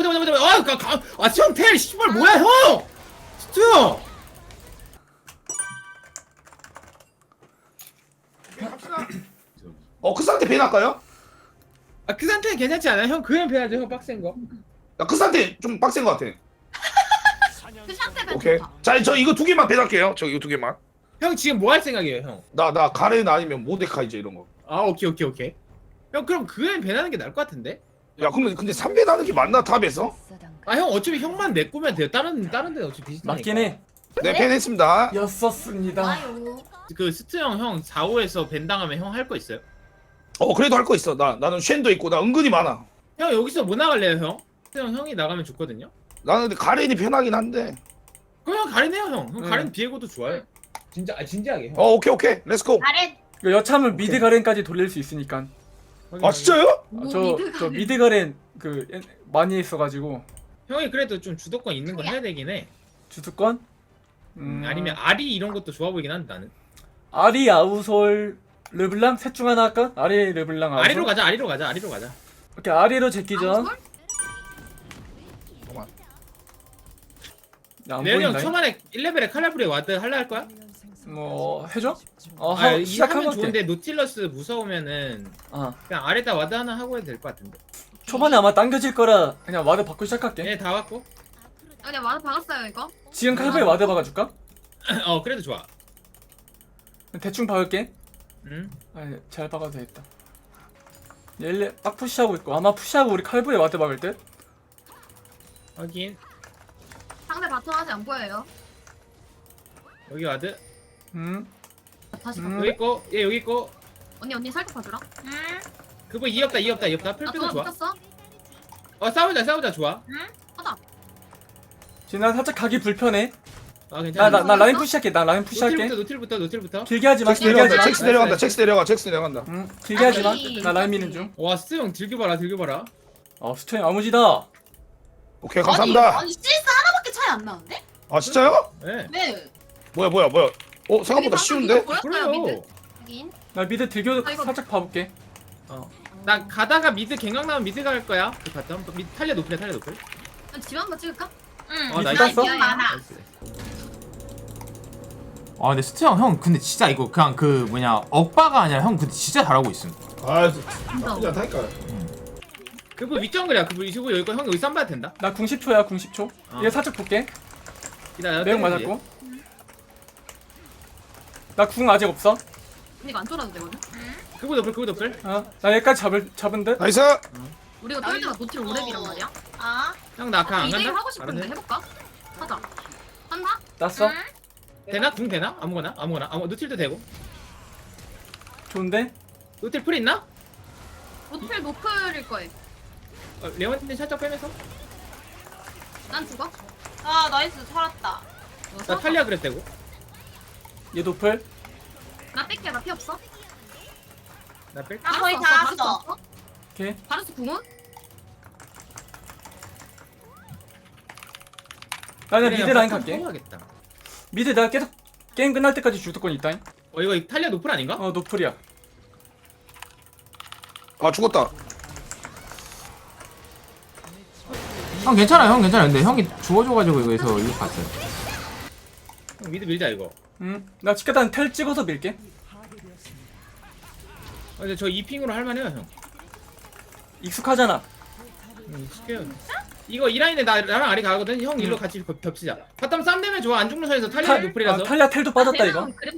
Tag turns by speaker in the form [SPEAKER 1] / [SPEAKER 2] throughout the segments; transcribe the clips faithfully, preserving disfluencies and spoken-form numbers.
[SPEAKER 1] 잠깐 잠깐 아, 가, 가, 아, 형 텔, 씨발 뭐야 형? 진짜.
[SPEAKER 2] 어, 그 상태 벤 할까요?
[SPEAKER 1] 아, 그 상태는 괜찮지 않아? 형 그냥 배야죠, 형 빡센 거.
[SPEAKER 2] 야, 그 상태 좀 빡센 것 같아.
[SPEAKER 3] 그 상태면
[SPEAKER 2] 오케이.
[SPEAKER 3] 좋다.
[SPEAKER 2] 자, 저 이거 두 개만 벤 할게요. 저 이거 두 개만.
[SPEAKER 1] 형 지금 뭐 할 생각이에요, 형?
[SPEAKER 2] 나, 나 가렌 아니면 모데카이제 이런 거.
[SPEAKER 1] 아, 오케이 오케이 오케이. 형 그럼 그냥 배나는 게 나을 것 같은데?
[SPEAKER 2] 야, 그러면 근데 삼 벤 하는 게 맞나, 탑에서?
[SPEAKER 1] 아, 형 어차피 형만 메꾸면 돼요. 다른 다른 데는 어차피 비슷하니까.
[SPEAKER 4] 맞긴 해.
[SPEAKER 2] 네, 벤 했습니다.
[SPEAKER 4] 였었습니다.
[SPEAKER 3] 좋아요.
[SPEAKER 1] 그 스트 형, 형 사, 오에서 밴 당하면 형 할 거 있어요?
[SPEAKER 2] 어, 그래도 할 거 있어. 나, 나는 쉔도 있고, 나 은근히 많아.
[SPEAKER 1] 형 여기서 뭐 나갈래요, 형? 스트 형 형이 나가면 좋거든요.
[SPEAKER 2] 나는 근데 가렌이 편하긴 한데.
[SPEAKER 1] 그럼 형 가린 해요, 형. 형
[SPEAKER 4] 응.
[SPEAKER 1] 가린 비에고도 좋아요. 진짜 아 진지하게. 형.
[SPEAKER 2] 어, 오케이, 오케이. 렛츠고.
[SPEAKER 3] 아래
[SPEAKER 4] 이거 여차하면 미드 가렌까지 돌릴 수 있으니까.
[SPEAKER 2] 아, 진짜요?
[SPEAKER 4] 아,
[SPEAKER 3] 뭐
[SPEAKER 4] 저,
[SPEAKER 3] 미드
[SPEAKER 4] 저
[SPEAKER 3] 가렌.
[SPEAKER 4] 미드 가렌 그 옛- 많이 했어가지고
[SPEAKER 1] 형이 그래도 좀 주도권 있는 거 해야 되긴 해.
[SPEAKER 4] 주특권.
[SPEAKER 1] 음,
[SPEAKER 4] 음,
[SPEAKER 1] 아니면 아리 이런 것도 좋아 보이긴 한데 나는.
[SPEAKER 4] 아리 아우솔 르블랑 셋 중 하나 할까? 아리 르블랑 아우솔.
[SPEAKER 1] 아리로 가자, 아리로 가자, 아리로 가자.
[SPEAKER 4] 오케이 아리로 제끼죠.
[SPEAKER 3] 아웃솔?
[SPEAKER 4] 안
[SPEAKER 1] 레온이 형
[SPEAKER 4] 보인다.
[SPEAKER 1] 초반에 일 레벨에 칼라브리 와드 할라 할 거야?
[SPEAKER 4] 뭐 해줘? 어
[SPEAKER 1] 아,
[SPEAKER 4] 하,
[SPEAKER 1] 이
[SPEAKER 4] 시작하면
[SPEAKER 1] 하면
[SPEAKER 4] 돼.
[SPEAKER 1] 좋은데 노틸러스 무서우면은
[SPEAKER 4] 아
[SPEAKER 1] 그냥 아래다 와드 하나 하고 해도 될 것 같은데.
[SPEAKER 4] 초반에 아마 당겨질 거라 그냥 와드 받고 시작할게.
[SPEAKER 1] 얘 다 왔고.
[SPEAKER 3] 아, 그냥 와드 박았어요 이거.
[SPEAKER 4] 지금 칼부에 와드 박아줄까?
[SPEAKER 1] 어, 그래도 좋아.
[SPEAKER 4] 대충 박을게.
[SPEAKER 1] 응.
[SPEAKER 4] 아니 잘 박아도 되겠다. 얘 딱 푸시하고 있고 아마 푸시하고 우리 칼부에 와드 박을 듯.
[SPEAKER 1] 확인.
[SPEAKER 3] 상대 바텀 아직 안 보여요.
[SPEAKER 1] 여기 와드.
[SPEAKER 4] 음.
[SPEAKER 3] 다시
[SPEAKER 4] 음.
[SPEAKER 3] 봐.
[SPEAKER 1] 여기 있고, 얘 여기 있고.
[SPEAKER 3] 언니 언니 살짝 봐주라. 응.
[SPEAKER 1] 그거 이 없다, 이 없다, 이 없다.
[SPEAKER 3] 나
[SPEAKER 1] 풀피고
[SPEAKER 3] 도망
[SPEAKER 1] 좋아.
[SPEAKER 3] 붙었어.
[SPEAKER 1] 어, 싸우자, 싸우자, 좋아.
[SPEAKER 3] 응. 하다.
[SPEAKER 4] 지금 나 살짝 가기 불편해.
[SPEAKER 1] 아,
[SPEAKER 4] 나
[SPEAKER 1] 괜찮아.
[SPEAKER 4] 나 나 라인 푸시할게. 나 라인 푸시할게.
[SPEAKER 1] 노틸부터, 노틸부터, 노틸부터.
[SPEAKER 4] 길게 하지 마.
[SPEAKER 2] 잭스
[SPEAKER 4] 길게 하지
[SPEAKER 2] 내려간다,
[SPEAKER 4] 마.
[SPEAKER 2] 잭스 내려간다, 잭스 내려가, 잭스 내려간다.
[SPEAKER 4] 응. 길게 하지 마.
[SPEAKER 3] 아니,
[SPEAKER 4] 나 라인 미는 중.
[SPEAKER 1] 와, 스트 형 들겨봐라, 들겨봐라.
[SPEAKER 4] 어 스토인 아무지다.
[SPEAKER 2] 오케이, 감사합니다.
[SPEAKER 3] 아니 실수 하나밖에 차이 안 나는데?
[SPEAKER 2] 아, 진짜요?
[SPEAKER 1] 네.
[SPEAKER 3] 네.
[SPEAKER 2] 뭐야, 뭐야, 뭐야. 어, 생각보다 쉬운데?
[SPEAKER 3] 보였어요 미드.
[SPEAKER 1] 그래요.
[SPEAKER 3] 확인.
[SPEAKER 4] 나 미드 들교
[SPEAKER 3] 아, 이거-
[SPEAKER 4] 살짝 봐볼게.
[SPEAKER 1] 어. 나 가다가 미드 갱강 나면 미드 갈 거야. 그 바텀. 미드 탈려 노플해, 탈려 노플.
[SPEAKER 3] 집 한번 찍을까? 응.
[SPEAKER 1] 어,
[SPEAKER 4] 나
[SPEAKER 1] 나이스.
[SPEAKER 4] 땄어?
[SPEAKER 3] 많아.
[SPEAKER 1] 나이스.
[SPEAKER 5] 아 근데 스트 형, 형 근데 진짜 이거 그냥 그 뭐냐 억바가 아니라 형 근데 진짜 잘하고 있음.
[SPEAKER 2] 아,
[SPEAKER 3] 진짜.
[SPEAKER 2] 나쁘지 않다니까.
[SPEAKER 1] 그분 윗정글이야. 그분 이시고 여기 거 형 여기 쌈봐도 된다.
[SPEAKER 4] 나 궁십 초야 궁십 초.
[SPEAKER 1] 어.
[SPEAKER 4] 얘 살짝 볼게.
[SPEAKER 1] 기다려.
[SPEAKER 4] 매형
[SPEAKER 1] 때리지.
[SPEAKER 4] 맞았고. 나 궁 아직 없어.
[SPEAKER 3] 근데 이거 안 쫄아도 되거든.
[SPEAKER 1] 그분 노플, 그분 노플.
[SPEAKER 4] 어. 나 얘까지 잡을 잡은 듯.
[SPEAKER 2] 나이스!
[SPEAKER 3] 우리가 쫄 때가 노틸 오랩이란 말이야. 아.
[SPEAKER 1] 형 나 강 안
[SPEAKER 3] 이대일
[SPEAKER 1] 간다.
[SPEAKER 3] 하고 싶은데
[SPEAKER 1] 알았네.
[SPEAKER 3] 해볼까? 하자. 한다?
[SPEAKER 4] 났어.
[SPEAKER 1] 되나? 궁 되나? 아무거나, 아무거나. 아무 노틸도 되고.
[SPEAKER 4] 좋은데.
[SPEAKER 1] 노틸 풀 있나?
[SPEAKER 3] 노틸 노플일 거예요.
[SPEAKER 1] 어, 레원님 살짝 빼면서.
[SPEAKER 3] 난 죽어.
[SPEAKER 6] 아 나이스 살았다.
[SPEAKER 3] 어,
[SPEAKER 1] 나
[SPEAKER 3] 살았어.
[SPEAKER 1] 탈리아 그랬대고.
[SPEAKER 4] 얘 노플.
[SPEAKER 3] 나 뺄게. 나 피 없어.
[SPEAKER 1] 나 뺄.
[SPEAKER 6] 나 거의
[SPEAKER 3] 바루스
[SPEAKER 6] 다
[SPEAKER 3] 없어,
[SPEAKER 6] 왔어.
[SPEAKER 3] 바루스 없어?
[SPEAKER 4] 오케이.
[SPEAKER 3] 바루스 궁은?
[SPEAKER 4] 나는
[SPEAKER 1] 그래,
[SPEAKER 4] 미드 라인
[SPEAKER 1] 바텀
[SPEAKER 4] 갈게.
[SPEAKER 1] 뽑아야겠다.
[SPEAKER 4] 미드 내가 계속 게임 끝날 때까지 주도권 있다잉.
[SPEAKER 1] 어, 이거 탈리아 노플 아닌가?
[SPEAKER 4] 어 노플이야.
[SPEAKER 2] 아, 죽었다.
[SPEAKER 5] 형 괜찮아, 형 괜찮아. 근데 형이 죽어줘가지고 이거에서 이거 봤어요.
[SPEAKER 1] 형 미드 밀자 이거.
[SPEAKER 4] 응. 나 치카단 텔 찍어서 밀게.
[SPEAKER 1] 어, 근데 저 이 핑으로 할만해요, 형.
[SPEAKER 4] 익숙하잖아.
[SPEAKER 1] 음, 쉽게요. 이거 이 라인에 나 나랑 아리 가거든. 형 일로 같이 겹- 겹치자. 바텀 쌈 되면 좋아. 안 죽는 선에서 탈리아
[SPEAKER 4] 탈-
[SPEAKER 1] 노플이라서.
[SPEAKER 4] 아, 탈리아 텔도 빠졌다 이거.
[SPEAKER 3] 그래,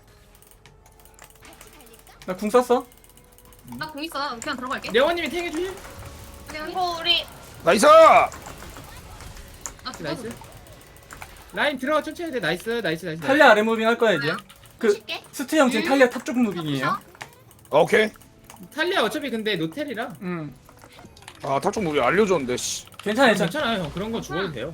[SPEAKER 4] 나 궁 썼어.
[SPEAKER 3] 나궁 있어. 그냥 들어갈게.
[SPEAKER 1] 레원님이 탱해 주실?
[SPEAKER 3] 그냥
[SPEAKER 6] 이거 우리
[SPEAKER 2] 나이스!
[SPEAKER 3] 나 죽어.
[SPEAKER 1] 나이스. 라인 들어가 천천히 해. 나이스, 나이스, 나이스.
[SPEAKER 4] 탈리아 아래 무빙 할 거야 이제. 그
[SPEAKER 3] 쉽게?
[SPEAKER 4] 스트 형 지금 탈리아 탑 쪽 무빙이에요.
[SPEAKER 2] 오케이.
[SPEAKER 1] 탈리아 어차피 근데 노텔이라.
[SPEAKER 4] 응.
[SPEAKER 2] 아, 탈쪽 우리 알려줬는데, 씨.
[SPEAKER 4] 괜찮아 괜찮아.
[SPEAKER 1] 괜찮아요, 형. 그런 거 죽어도 돼요.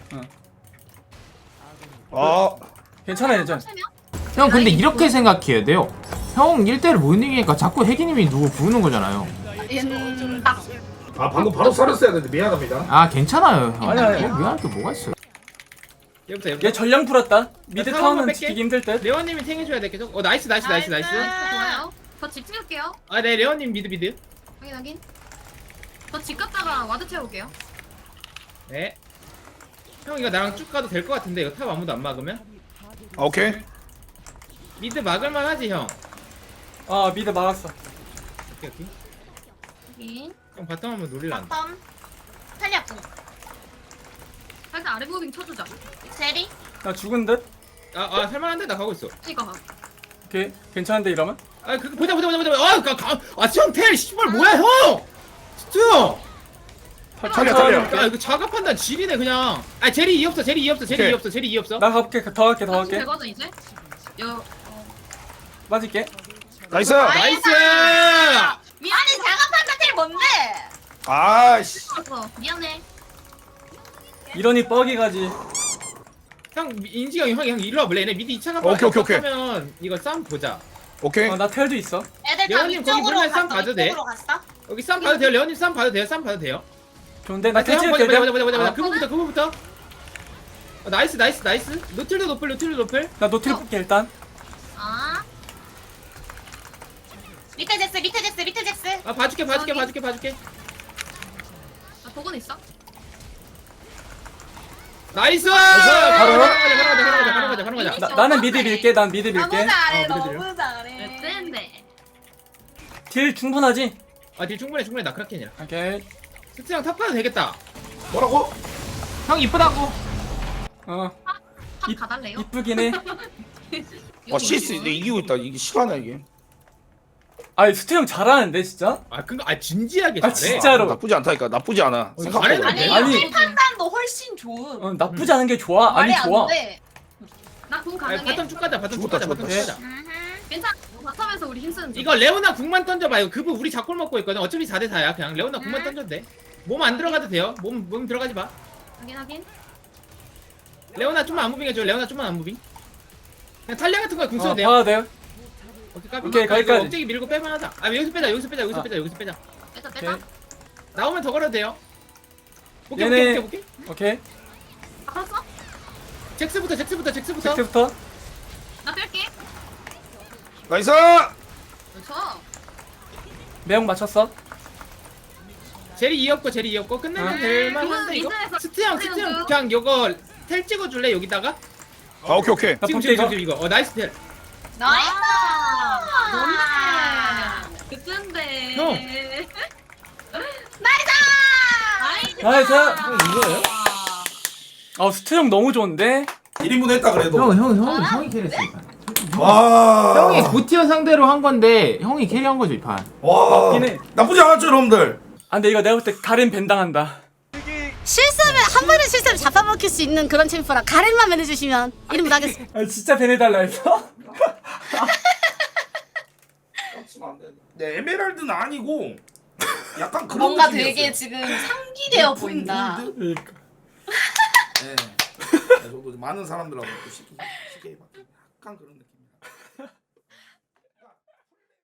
[SPEAKER 2] 아,
[SPEAKER 4] 괜찮아 괜찮아.
[SPEAKER 5] 형 근데 이렇게 생각해야 돼요. 형 일 대를 못 이기니까 자꾸 혜기님이 누구 부르는 거잖아요.
[SPEAKER 3] 음,
[SPEAKER 2] 아, 방금 바로 살았어야 되는데 미안합니다.
[SPEAKER 5] 아 괜찮아요, 형.
[SPEAKER 4] 아니, 아니.
[SPEAKER 5] 뭐 미안할 게 뭐가 있어요.
[SPEAKER 1] 얘부터 얘부터.
[SPEAKER 4] 얘 전령 풀었다. 미드
[SPEAKER 1] 나
[SPEAKER 4] 타워는
[SPEAKER 1] 타워만
[SPEAKER 4] 지키기 힘들 듯.
[SPEAKER 1] 레원님이 탱해 줘야 돼 계속. 어, 나이스, 나이스, 나이스, 나이스.
[SPEAKER 3] 좋아요. 저 집 찍을게요.
[SPEAKER 1] 아, 네, 레원님 미드 미드.
[SPEAKER 3] 확인 확인. 저 집 갔다가 와드 채울게요.
[SPEAKER 1] 네. 형 이거 나랑 쭉 가도 될 것 같은데 이거 탑 아무도 안 막으면?
[SPEAKER 2] 아, 오케이.
[SPEAKER 1] 미드 막을만 하지 형.
[SPEAKER 4] 아 미드 막았어.
[SPEAKER 1] 오케이 오케이.
[SPEAKER 3] 여기.
[SPEAKER 1] 형 바텀 한번 노릴란다.
[SPEAKER 6] 바텀. 탈리아 궁.
[SPEAKER 3] 살짝 아래 무빙 쳐주자.
[SPEAKER 6] 제리.
[SPEAKER 4] 나 죽은 듯?
[SPEAKER 1] 아아 살만한데 나 가고 있어.
[SPEAKER 3] 이거.
[SPEAKER 4] 오케이 괜찮은데 이러면?
[SPEAKER 1] 아 그 보자 보자 보자 보자. 아 가, 가, 아 형 텔 씨발 뭐야 형. 진짜.
[SPEAKER 2] 탈리아, 탈리아.
[SPEAKER 1] 야 이거 자가 판단 지리네 그냥. 아 제리 이 없어 제리 이 없어 제리
[SPEAKER 2] 오케이.
[SPEAKER 1] 이 없어 제리 이 없어.
[SPEAKER 4] 나 가볼게 더 갈게 더 갈게.
[SPEAKER 3] 되거든 이제. 여.
[SPEAKER 4] 맞을게.
[SPEAKER 2] 나이스.
[SPEAKER 1] 나이스.
[SPEAKER 6] 미안해 자가 판타텔 뭔데?
[SPEAKER 2] 아씨.
[SPEAKER 3] 어 미안해.
[SPEAKER 4] 이러니 뻑이 가지.
[SPEAKER 1] 형 인지가 형 형 이리 와볼래? 얘네 미드 이 차 가면
[SPEAKER 2] 오케이, 오케이, 오케이.
[SPEAKER 1] 하면 이거 싸움 보자.
[SPEAKER 2] 오케이.
[SPEAKER 4] 어, 나 텔도 있어.
[SPEAKER 6] 애들 다
[SPEAKER 1] 예원님, 거기
[SPEAKER 6] 위쪽으로
[SPEAKER 1] 물면 쌈
[SPEAKER 6] 갔어.
[SPEAKER 1] 봐도 돼?
[SPEAKER 6] 위쪽으로 갔어?
[SPEAKER 1] 여기 싸움 봐도 돼요. 레오님 싸움 봐도 돼요. 싸움 봐도 돼요.
[SPEAKER 4] 좋은데 나
[SPEAKER 1] 아,
[SPEAKER 4] 텔
[SPEAKER 1] 형
[SPEAKER 4] 찍을게.
[SPEAKER 1] 보자 보자 보자 보자 보자.
[SPEAKER 4] 어,
[SPEAKER 1] 그거부터 그거부터. 어, 나이스 나이스 나이스. 노틸도 노플 노틸도 노플.
[SPEAKER 4] 나 노틸 볼게 일단.
[SPEAKER 3] 아.
[SPEAKER 6] 밑에 잭스 밑에 잭스 밑에 잭스.
[SPEAKER 1] 아 봐줄게 봐줄게
[SPEAKER 3] 여기.
[SPEAKER 1] 봐줄게 봐줄게.
[SPEAKER 3] 나 복은 있어.
[SPEAKER 1] 나이스.
[SPEAKER 4] 바로?
[SPEAKER 1] 바로 가자 바로 가자 바로 가자 바로 가자 바로 가자.
[SPEAKER 4] 나, 나는 미드 밀게. 난 미드
[SPEAKER 6] 너무
[SPEAKER 4] 밀게.
[SPEAKER 6] 잘해
[SPEAKER 1] 어, 미드
[SPEAKER 6] 너무 잘해.
[SPEAKER 3] 어땠는데?
[SPEAKER 4] 딜 충분하지?
[SPEAKER 1] 아딜 충분해 충분해 나 크라켄이라.
[SPEAKER 4] 오케이.
[SPEAKER 1] 스트 형탑 가도 되겠다.
[SPEAKER 2] 뭐라고?
[SPEAKER 5] 형 이쁘다고.
[SPEAKER 4] 어
[SPEAKER 3] 탑 가달래요?
[SPEAKER 4] 이쁘긴 해.
[SPEAKER 2] 와, 시스 내 이기고 있다. 이게 시간이야 이게.
[SPEAKER 4] 아니 스트 형 잘하는데 진짜?
[SPEAKER 1] 아 그거 아 진지하게
[SPEAKER 4] 아,
[SPEAKER 1] 잘해.
[SPEAKER 4] 진짜? 진짜로.
[SPEAKER 2] 나쁘지 않다니까. 나쁘지 않아.
[SPEAKER 1] 어,
[SPEAKER 2] 생각보다.
[SPEAKER 1] 잘했는데?
[SPEAKER 6] 아니
[SPEAKER 1] 아니,
[SPEAKER 6] 이 판단도 훨씬 좋은.
[SPEAKER 4] 어 나쁘지 않은 게 좋아. 아니
[SPEAKER 6] 말이
[SPEAKER 4] 좋아.
[SPEAKER 6] 안 돼.
[SPEAKER 3] 나공
[SPEAKER 1] 아니,
[SPEAKER 3] 가능해.
[SPEAKER 1] 바텀 쭉 가자 바텀 쭉
[SPEAKER 2] 죽었다,
[SPEAKER 1] 가자 바텀 쭉
[SPEAKER 2] 죽었다.
[SPEAKER 1] 가자.
[SPEAKER 3] 괜찮아. 바텀에서 우리 힘쓰는 중.
[SPEAKER 1] 이거 레오나 궁만 던져봐. 이거 그분 우리 작골 먹고 있거든. 어차피 사 대 사야. 그냥 레오나 궁만
[SPEAKER 3] 음.
[SPEAKER 1] 던져도 돼. 몸 안 들어가도 돼요. 몸, 몸 들어가지 마.
[SPEAKER 3] 확인 확인.
[SPEAKER 1] 레오나 좀만 안 무빙 해줘. 레오나 좀만 안 무빙. 그냥 탈리아 같은 거궁 써도
[SPEAKER 4] 어
[SPEAKER 1] 돼요.
[SPEAKER 4] 봐도 돼요.
[SPEAKER 1] 오케이, 까비.
[SPEAKER 4] 오케이,
[SPEAKER 1] 이거
[SPEAKER 4] 거기까지.
[SPEAKER 1] 억제기 밀고 빼만 하자. 아 여기서 빼자. 여기서 빼자. 여기서
[SPEAKER 4] 아.
[SPEAKER 1] 빼자. 여기서 빼자.
[SPEAKER 3] 빼자
[SPEAKER 4] 오케이.
[SPEAKER 3] 빼자.
[SPEAKER 1] 나오면 더 걸어도 돼요. 오케이
[SPEAKER 4] 얘네-
[SPEAKER 1] 오케이 오케이 오케이.
[SPEAKER 4] 오케이.
[SPEAKER 3] 알았어?
[SPEAKER 1] 잭스부터 잭스부터 잭스부터.
[SPEAKER 4] 잭스부터.
[SPEAKER 3] 나 뺄게.
[SPEAKER 2] 나이스.
[SPEAKER 3] 그렇죠.
[SPEAKER 4] 매형 맞췄어.
[SPEAKER 1] 제리 이었고 제리 이었고 끝내면
[SPEAKER 4] 아.
[SPEAKER 1] 될만한데 이거.
[SPEAKER 3] 미드에서
[SPEAKER 1] 스트 형 스트 형
[SPEAKER 3] 미드에서.
[SPEAKER 1] 그냥 이거 텔 찍어줄래 여기다가?
[SPEAKER 2] 아, 오케이 오케이.
[SPEAKER 4] 나
[SPEAKER 1] 지금
[SPEAKER 4] 볼게
[SPEAKER 1] 지금
[SPEAKER 4] 이거.
[SPEAKER 1] 지금 이거. 어 나이스 텔.
[SPEAKER 6] 나이스.
[SPEAKER 3] 뭔데? 그땐데.
[SPEAKER 1] 형.
[SPEAKER 6] 나이스.
[SPEAKER 4] 나이스.
[SPEAKER 1] 형 이거예요?
[SPEAKER 4] 아 스트 형 너무 좋은데.
[SPEAKER 7] 일 인분 했다 그래도.
[SPEAKER 5] 형 형 형 형이 캐리했어 이 판.
[SPEAKER 7] 와.
[SPEAKER 5] 형이 고티어 상대로 한 건데 형이 캐리한 거죠 이 판.
[SPEAKER 7] 와.
[SPEAKER 4] 맞긴 해.
[SPEAKER 7] 나쁘지 않았죠, 여러분들.
[SPEAKER 4] 아 근데 이거 내가 볼 때 가렌 벤당한다.
[SPEAKER 8] 실수하면 한 번의 실수를 잡아먹힐 수 있는 그런 챔프라 가렌만 매내주시면 이름 나겠습니다.
[SPEAKER 4] 아 진짜 벤해달라 했어?
[SPEAKER 7] 네, 에메랄드는 아니고 약간 그런
[SPEAKER 6] 뭔가
[SPEAKER 7] 느낌이었어요.
[SPEAKER 6] 되게 지금 상기되어 보인다.
[SPEAKER 7] 골드?
[SPEAKER 4] 그러니까.
[SPEAKER 7] 네. 네, 저도 많은 사람들하고 또 쉽게 쉽게 해봤 약간 그런 느낌.